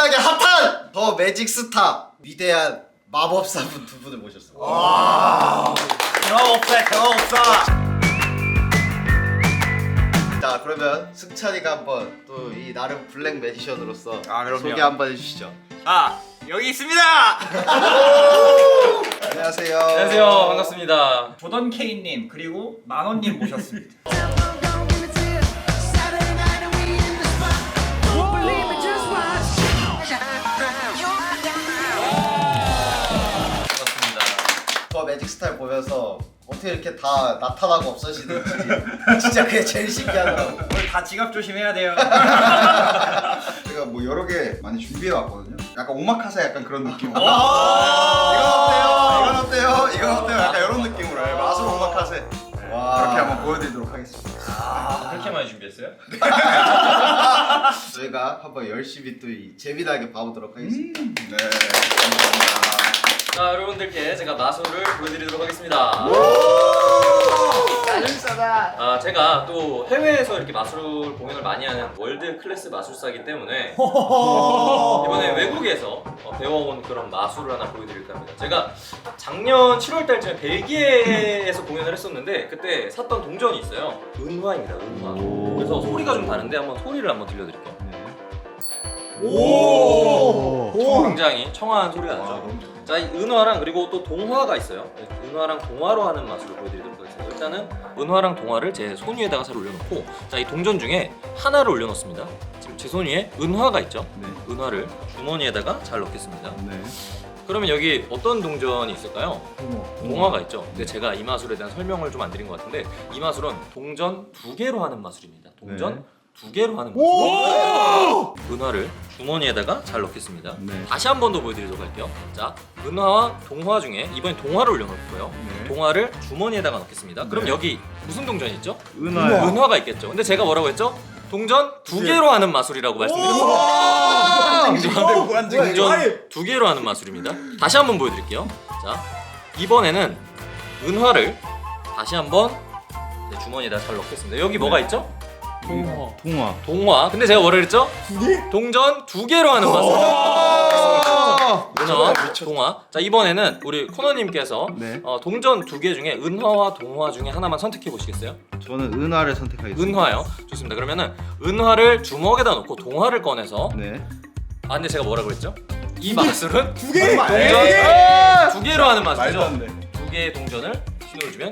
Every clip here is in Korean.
엄청나게 핫한 더 매직 스타 위대한 마법사분 두 분을 모셨습니다. 와, 대화없어. 자, 그러면 승찬이가 한번 또 이 나름 블랙 매지션으로서 그럼요. 소개 한번 해주시죠. 여기 있습니다. 안녕하세요. 안녕하세요. 반갑습니다. 조던 K님 그리고 만원님 모셨습니다. 반갑습니다. 더 매직 스타일 보면서 어떻게 이렇게 다 나타나고 없어지는지 진짜 그게 제일 신기하더라고. 오늘 다 지갑 조심해야 돼요. 제가 뭐 여러 개 많이 준비해 왔거든요. 약간 오마카세 약간 그런 느낌으로. 오! 이건 어때요? 이건 어때요? 약간 이런 느낌으로 마술 오마카세. 와. 그렇게 한번 보여드리도록 하겠습니다. 그렇게 많이 준비했어요? 저희가 한번 열심히 또 이 재미나게 봐보도록 하겠습니다. 네, 감사합니다. 자, 여러분들께 제가 마술을 보여드리도록 하겠습니다. 짜증싸다. 제가 또 해외에서 이렇게 마술 공연을 많이 하는 월드 클래스 마술사이기 때문에 이번에 외국에서 배워온 그런 마술을 하나 보여드릴까 합니다. 제가 작년 7월 달쯤에 벨기에에서 공연을 했었는데 그때 샀던 동전이 있어요. 은화입니다, 은화. 그래서 소리가 좀 다른데 한번 소리를 한번 들려드릴게요. 굉장히 청아한 소리가 나죠. 자, 이 은화랑 그리고 또 동화가 있어요. 은화랑 동화로 하는 마술을 보여드리도록 하겠습니다. 일단은 은화랑 동화를 제 손 위에다가 잘 올려놓고, 자, 이 동전 중에 하나를 올려놓습니다. 지금 제 손 위에 은화가 있죠. 네. 은화를 주머니에다가 잘 넣겠습니다. 네. 그러면 여기 어떤 동전이 있을까요? 동화가 있죠. 근데 제가 이 마술에 대한 설명을 좀 안 드린 것 같은데, 이 마술은 동전 2개로 하는 마술입니다. 동전 2개로 하는 마술. 은화를 주머니에다가 잘 넣겠습니다. 네. 다시 한 번 더 보여드리도록 할게요. 자, 은화와 동화 중에 이번엔 동화를 올려놓을 거예요. 네. 동화를 주머니에다가 넣겠습니다. 그럼 네. 여기 무슨 동전이 있죠? 은화요. 은화가 있겠죠. 근데 제가 뭐라고 했죠? 동전 2개로 하는 마술이라고 말씀드렸습니다. 동전 2개로 하는 마술입니다. 다시 한번 보여드릴게요. 자, 이번에는 은화를 다시 한번 주머니에다 잘 넣겠습니다. 여기 뭐가 있죠? 동화. 동화. 근데 제가 뭐라 그랬죠? 동전 2개로 하는 마술. 은화와 동화. 자, 이번에는 우리 코너님께서 네. 동전 2개 중에 은화와 동화 중에 하나만 선택해 보시겠어요? 저는 은화를 선택하겠습니다. 은화요. 좋습니다. 그러면은 은화를 주먹에다 넣고 동화를 꺼내서 네. 근데 제가 뭐라고 했죠? 이 마술은 두 개. 동전 네. 2개로 하는 말도 마술이죠. 안 돼. 2개의 동전을 신호를 주면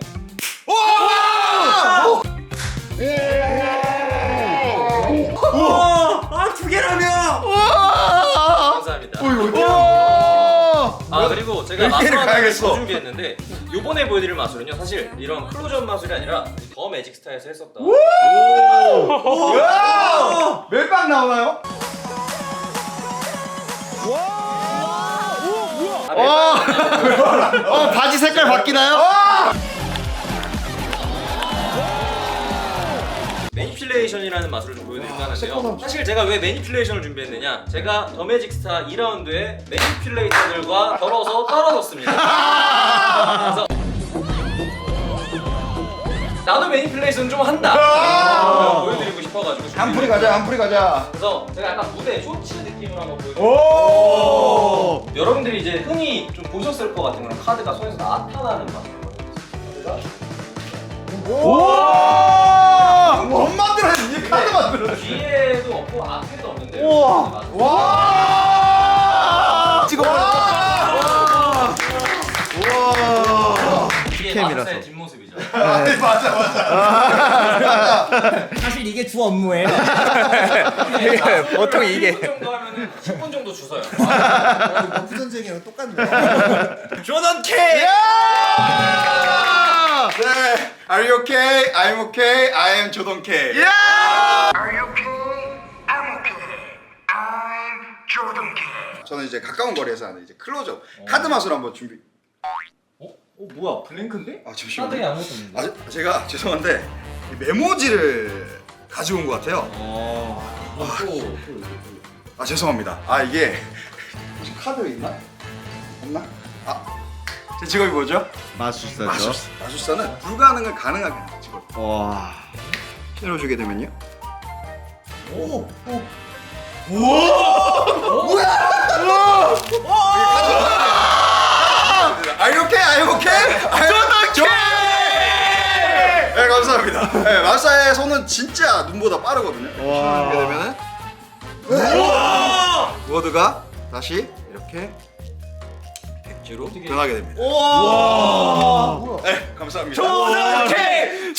두 개라며! 감사합니다. 오. 그리고 제가 열 개를 마술 하나를 가야겠어. 더 준비했는데 요번에 보여드릴 마술은요, 사실 이런 클로즈업 마술이 아니라 더 매직 스타에서 했었던 멜빵 나오나요? 바지 색깔 바뀌나요? 매니플레이션이라는 마술을 좀 보여드릴까 하는데요. 사실 제가 왜 매니플레이션을 준비했느냐, 제가 더 매직 스타 2라운드에 매니플레이터들과 걸어서 떨어졌습니다. 그래서 나도 매니플레이션 좀 한다 보여드리고 싶어가지고 한풀이 가자. 한풀이 가자. 그래서 제가 약간 무대 쇼츠 느낌으로 한번 보여드릴게요. 오. 여러분들이 이제 흔히 좀 보셨을 것 같은 그런 카드가 손에서 나타나는 마술이거든요. 우와! 못 만들었네. 이 카드 만들었네. 뒤에도 없고 앞에도 없는데 우와! 와! 찍어. 와! 이게 캠이라서. 마술사의 뒷모습이죠. 맞아. 사실 이게 주 업무예요. 보통 이게 10분 정도 하면은 10분 정도 주서요. 부전쟁이랑 똑같네. 조던 K! 네. Are you okay? I'm okay. I am 조던 K. Are you okay? I'm okay. I'm Jordan K. 저는 이제 가까운 거리에서 하는 이제 클로즈업 카드 마술 한번 준비. 뭐야, 블랭크인데? 잠시만요. 카드에 아무것도 없는데. 제가 죄송한데 이 메모지를 가지고 온 것 같아요. 죄송합니다. 이게 혹시 카드 있나? 없나? 제 직업이 뭐죠? 마술사죠. 마술사는 불가능을 가능하게 하는 직업. 와. 열어주게 되면요. 뭐야? 네, 마술사의 손은 진짜 눈보다 빠르거든요. 이렇게 되면은 워드가 다시 이렇게 백지로 변하게 됩니다. 네, 감사합니다. 조덕해!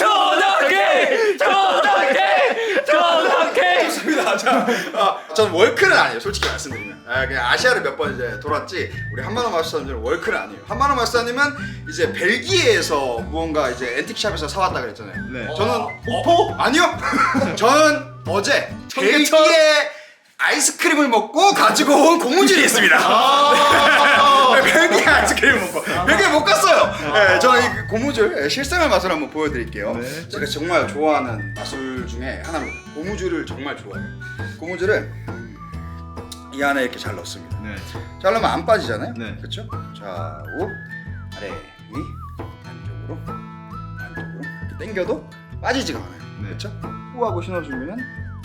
좋습니다. 자, 저는 월크는 아니에요. 솔직히 말씀드리면. 그냥 아시아를 몇 번 이제 돌았지. 우리 한만원 마술사님은 월크는 아니에요. 한만원 마술사님은 이제 벨기에에서 무언가 이제 앤틱샵에서 사왔다 그랬잖아요. 네. 저는 아니요. 저는 어제 벨기에 아이스크림을 먹고 가지고 온 고무줄이 있습니다. 네, 벨기에 아이스크림을 먹고 벨기에 못 갔어요. 네, 저는 이 고무줄 실생활 맛을 한번 보여드릴게요. 네. 제가 정말 좋아하는 마술 중에 하나입니다. 고무줄을 정말 좋아해요. 고무줄을 이 안에 이렇게 잘 넣습니다. 네. 잘 넣으면 안 빠지잖아요. 네. 그렇죠? 좌우 아래 위 안쪽으로 이렇게 당겨도 빠지지가 않아요. 네. 그렇죠? 후 하고 신어주면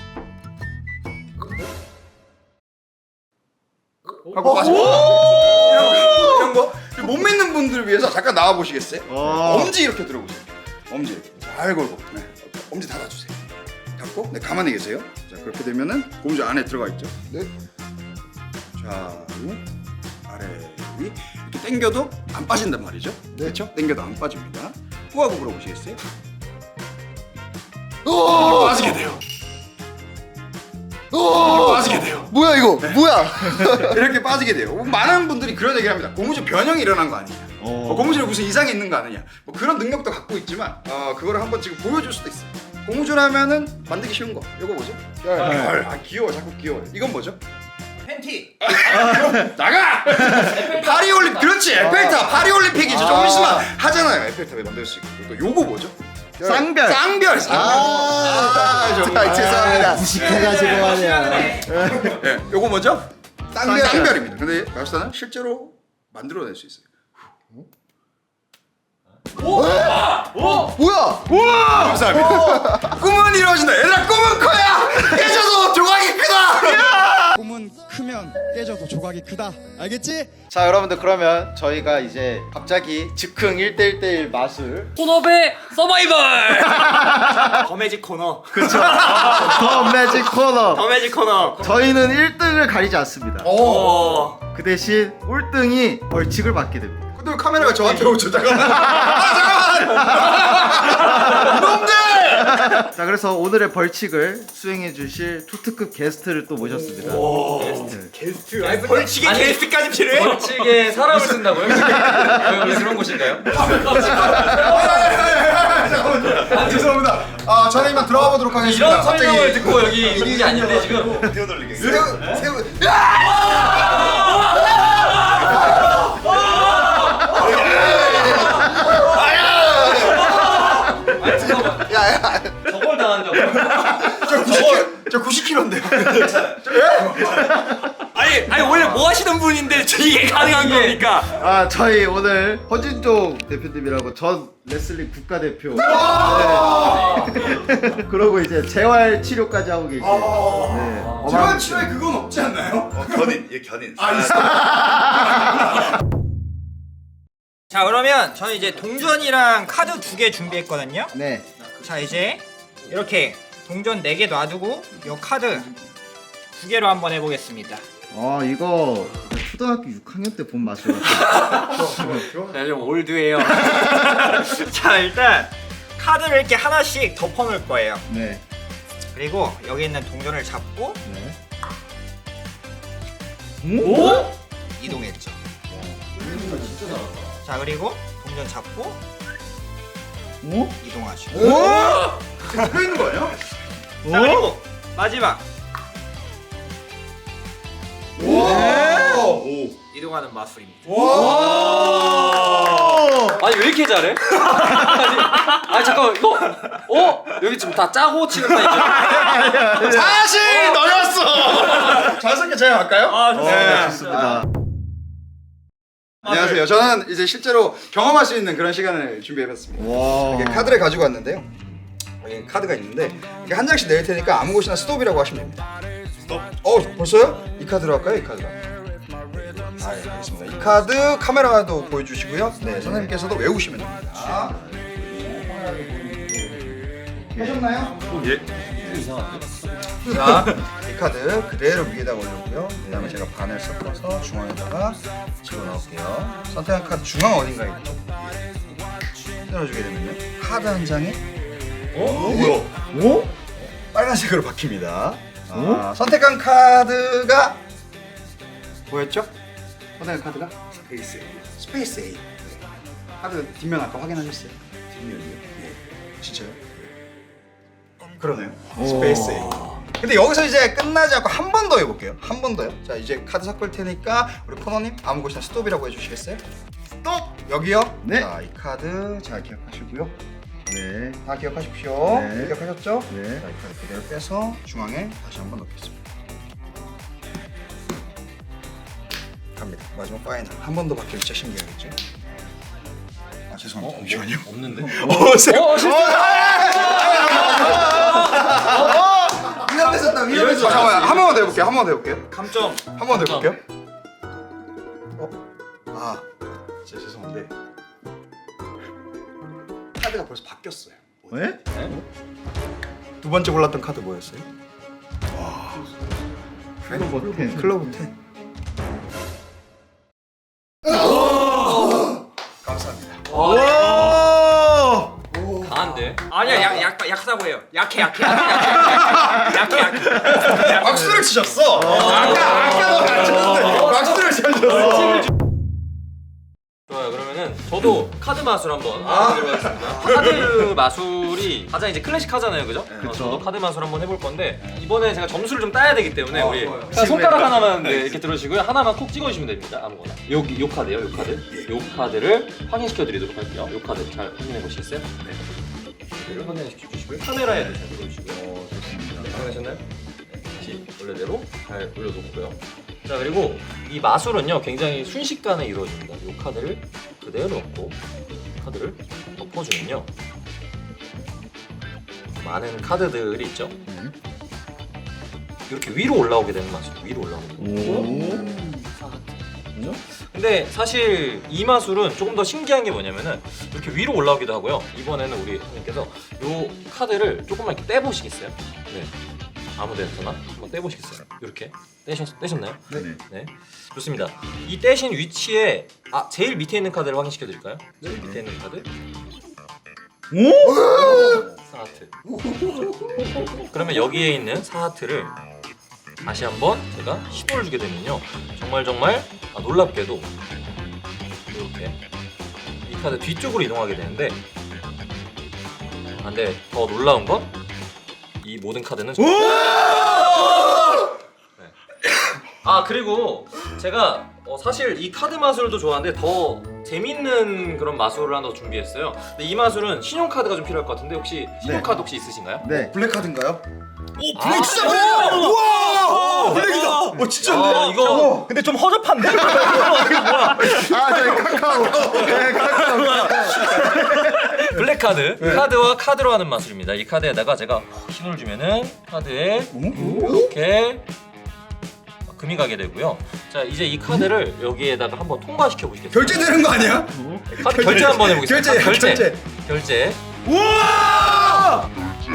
하고 빠지고 이런 거 못 믿는 분들을 위해서 잠깐 나와 보시겠어요? 엄지 이렇게 들어보세요. 엄지 이렇게 잘 걸고 네. 엄지 닫아주세요. 닫고 네 가만히 계세요. 자 그렇게 되면은 고무줄 안에 들어가 있죠. 네. 좌우 아래 위 이렇게 당겨도 안 빠진단 말이죠. 네. 그렇죠? 당겨도 안 빠집니다. 후하고 물어보시겠어요? 오! 빠지게 돼요. 빠지게 돼요. 뭐야 이거? 뭐야? 이렇게 빠지게 돼요. 많은 분들이 그런 얘기를 합니다. 고무줄 변형이 일어난 거 아니냐. 고무줄에 무슨 이상이 있는 거 아니냐. 뭐 그런 능력도 갖고 있지만 그거를 한번 지금 보여줄 수도 있어요. 고무줄 하면은 만들기 쉬운 거. 이거 뭐죠? 귀여워. 자꾸 귀여워. 이건 뭐죠? 팬티. 나가! 파리올림픽 그렇지 에펠탑 파리올림픽이죠. 조금 있으면 하잖아요. 에펠탑에 만들 수 있고. 또 요거 뭐죠? 쌍별. 쌍별. 정말 죄송합니다. 무식해가지고 말이야. 네, 요거 뭐죠? 쌍별입니다. 근데 마술사는 실제로 만들어낼 수 있어요. 뭐야? 감사합니다. 꿈은 이루어진다. 얘들아 꿈은 커야 깨져도 조각이 크다. 꿈은 크면 깨져도 조각이 크다. 알겠지? 자 여러분들 그러면 저희가 이제 갑자기 즉흥 1대1대1 마술 혼업의 서바이벌! 더 매직 코너. 더 매직 코너. 더 매직 코너. 저희는 1등을 가리지 않습니다. 오. 그 대신 꼴등이 벌칙을 받게 됩니다. 근데 왜 카메라가 저한테 오죠? 잠깐만. 잠깐만. 놈들! 자 그래서 오늘의 벌칙을 수행해 주실 투트급 게스트를 또 모셨습니다. 게스트. 아니, 벌칙에 아니, 게스트까지 필요해요? 벌칙에 사람을 쓴다고요? 왜 그런 곳인가요? 잠깐만요. 죄송합니다. 저는 이만 들어가 보도록 하겠습니다. 이런 설명을 듣고 여기 있는 게 아닌데 지금 새우. 저걸 당한다고? 저 90kg인데요. 아니 원래 뭐 하시는 분인데 이게 가능한 겁니까? 아 저희 오늘 허진종 대표님이라고 전 레슬링 국가대표 네. 그러고 이제 재활 치료까지 하고 계신 네. 재활 치료에 그건 없지 않나요? 견인, 얘 견인. 자 그러면 저는 이제 동전이랑 카드 2개 준비했거든요. 네. 자 이제 이렇게 동전 4개 놔두고 요 카드 2개로 한번 해보겠습니다. 이거 초등학교 6학년 때 본 마술 네, 좀 올드해요. 자 일단 카드를 이렇게 하나씩 덮어놓을 거예요. 네. 그리고 여기 있는 동전을 잡고 네. 오? 이동했죠. 자 그리고 동전 잡고 오? 이동하죠. 서 있는 거예요? 자 그리고 마지막 이동하는 마술입니다. 아니 왜 이렇게 잘해? 아니 잠깐만 이거 여기 지금 다 짜고 치는 판이죠? 사실 너였어. 자연스럽게 제가 갈까요? 좋습니다. 좋습니다. 안녕하세요. 저는 이제 실제로 경험할 수 있는 그런 시간을 준비해봤습니다. 와. 이렇게 카드를 가지고 왔는데요. 여기 카드가 있는데 이렇게 한 장씩 낼 테니까 아무 곳이나 스톱이라고 하시면 됩니다. 스톱? 벌써요? 이 카드로 할까요? 이 카드로? 알겠습니다. 이 카드 카메라도 보여주시고요. 네, 선생님께서도 외우시면 됩니다. 하셨나요? 예. 자, 이 카드 그대로 위에다가 올렸고요. 그다음에 제가 반을 섞어서 중앙에다가 집어넣을게요. 선택한 카드 중앙 어딘가에 있죠? 열어주게 되면요. 카드 한 장에 뭐야? 빨간색으로 바뀝니다. 선택한 카드가 뭐였죠? 선택한 카드가 스페이스 A. 카드 뒷면 아까 확인하셨어요? 뒷면이요? 예. 진짜요? 그러네요. 스페이스 A. 근데 여기서 이제 끝나지 않고 한 번 더 해볼게요. 한 번 더요. 자, 이제 카드 섞을 테니까 우리 코너님 아무 곳이나 스톱이라고 해주시겠어요? 스톱! 여기요? 네. 자, 이 카드 잘 기억하시고요. 네. 다 기억하십시오. 네. 기억하셨죠? 네. 자, 이 카드 그대로 빼서 중앙에 다시 한 번 넣겠습니다. 갑니다. 마지막 파이널. 한 번 더 바뀌면 진짜 신기하겠죠? 아, 죄송합니다. 잠시만요. 없는데? 위험했었다. 위험했었다. 잠깐만. 한 번만 더 해볼게요. 한 번만 더 해볼게요. 감점. 한 번 더 해볼게요. 아, 진짜 죄송한데 카드가 벌써 바뀌었어요. 왜? 두 번째 골랐던 카드 뭐였어요? 와, 클로버 10. 클로버 10. 감사합니다. 강한데? 아니야 약하다고 해요. 약해. 박수를 치셨어. 아까도 안 쳤는데 박수를 치셨어. 좋아요. 그러면은 저도 카드 마술 한번 알아보도록 하겠습니다. 카드 마술이 가장 이제 클래식하잖아요, 그죠? 저도 카드 마술 한번 해볼 건데 이번에 제가 점수를 좀 따야 되기 때문에 우리 자, 손가락 하나만 네, 이렇게 들어주시고요. 하나만 콕 찍어주시면 됩니다. 아무거나. 여기 요 카드요, 요 카드. 요 카드를 확인시켜드리도록 할게요. 요 카드 잘 확인해 보시겠어요? 네. 카드를 확인시켜 주시고요. 카메라에도 잘 들어주시고요. 좋습니다. 확인하셨나요? 다시 원래대로 잘 올려놓고요. 자, 그리고 이 마술은요 굉장히 순식간에 이루어집니다. 이 카드를 그대로 넣고 카드를 덮어주면요 많은 카드들이 있죠. 이렇게 위로 올라오게 되는 마술. 위로 올라오게 되는 근데 사실 이 마술은 조금 더 신기한 게 뭐냐면은 이렇게 위로 올라오기도 하고요. 이번에는 우리 선생님께서 이 카드를 조금만 이렇게 떼보시겠어요? 네. 아무 데서나 한번 떼보시겠어요? 이렇게 떼셨나요? 네. 좋습니다. 이 떼신 위치에 제일 밑에 있는 카드를 확인시켜 드릴까요? 제일 밑에 있는 카드. 사하트. 그러면 여기에 있는 사하트를 다시 한번 제가 시도를 주게 되면요 정말 놀랍게도 이렇게 이 카드 뒤쪽으로 이동하게 되는데 근데 더 놀라운 건 이 모든 카드는 네. 그리고 제가 사실 이 카드 마술도 좋아하는데 더 재밌는 그런 마술을 하나 더 준비했어요. 근데 이 마술은 신용카드가 좀 필요할 것 같은데 혹시 신용카드 혹시 있으신가요? 네. 블랙카드인가요? 오 블랙 진짜 블랙이다. 우와! 블랙이다. 진짜인데? 이거 근데 좀 허접한데? 이거 뭐야? 저희 카카오. 네, 카카오. 블랙카드 카드와 카드로 하는 마술입니다. 이 카드에다가 제가 신호를 주면은 카드에 이렇게 금이 가게 되고요. 자 이제 이 카드를 여기에다가 한번 통과시켜 보시겠어요? 결제되는 거 아니야? 카드 결제 한번 해보겠습니다. 결제. 우와!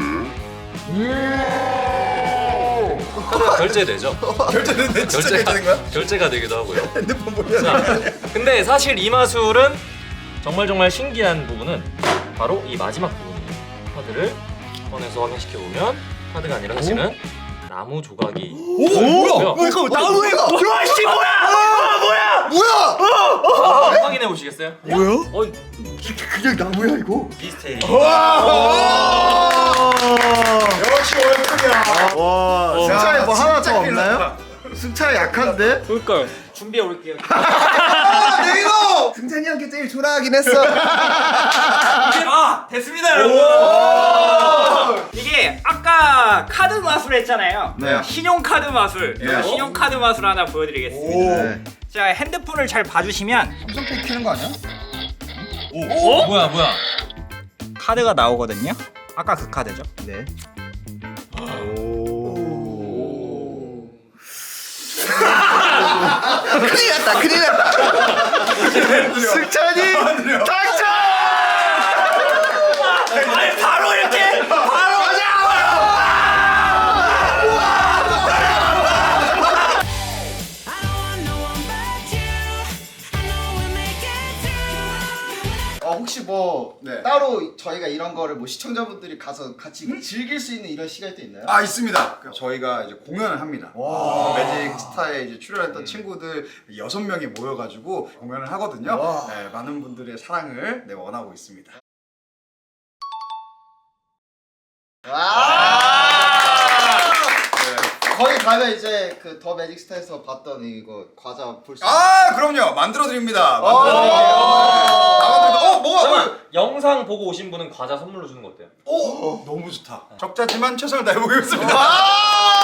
카드가 결제되죠? 결제되는데 진짜 결제된 거야? 결제가 되기도 하고요. 핸드폰 보면. 자, 근데 사실 이 마술은 정말 신기한 부분은 바로 이 마지막 부분이에요. 카드를 꺼내서 확인시켜 보면 카드가 아니라 사실은 나무 조각이 뭐야? 이거 나무에 와 씨 뭐야? 확인해 보시겠어요? 뭐야? 그냥 나무야 이거? 비슷해. 역시 월급이야. 와. 승차에 뭐 하나 더 없나요? 승차에 약한데? 그러니까요. 준비해 올게요. 내가 승찬이 형께 제일 좋아하긴 했어. 됐습니다 여러분. 이게 아까 카드 마술 했잖아요. 네. 신용카드 마술. 네. 신용카드 마술 하나 보여드리겠습니다. 네. 자 핸드폰을 잘 봐주시면 삼성페이 키는 거 아니야? 뭐야? 카드가 나오거든요. 아까 그 카드죠. 네. 큰일 났다. 승찬이 당첨! 아니 바로 이렇게 바로 혹시 뭐 네. 따로 저희가 이런 거를 뭐 시청자분들이 가서 같이 즐길 수 있는 이런 시간이 또 있나요? 아 있습니다. 저희가 이제 공연을 합니다. 매직 스타에 이제 출연했던 친구들 6명이 모여가지고 공연을 하거든요. 네, 많은 분들의 사랑을 네, 원하고 있습니다. 거기 가면 이제 그 더 매직 스타에서 봤던 이거 과자 볼 수. 아 그럼요. 만들어 드립니다. 뭐가? 잠깐만 영상 보고 오신 분은 과자 선물로 주는 거 어때요? 너무 좋다. 적자지만 최선을 다해보겠습니다.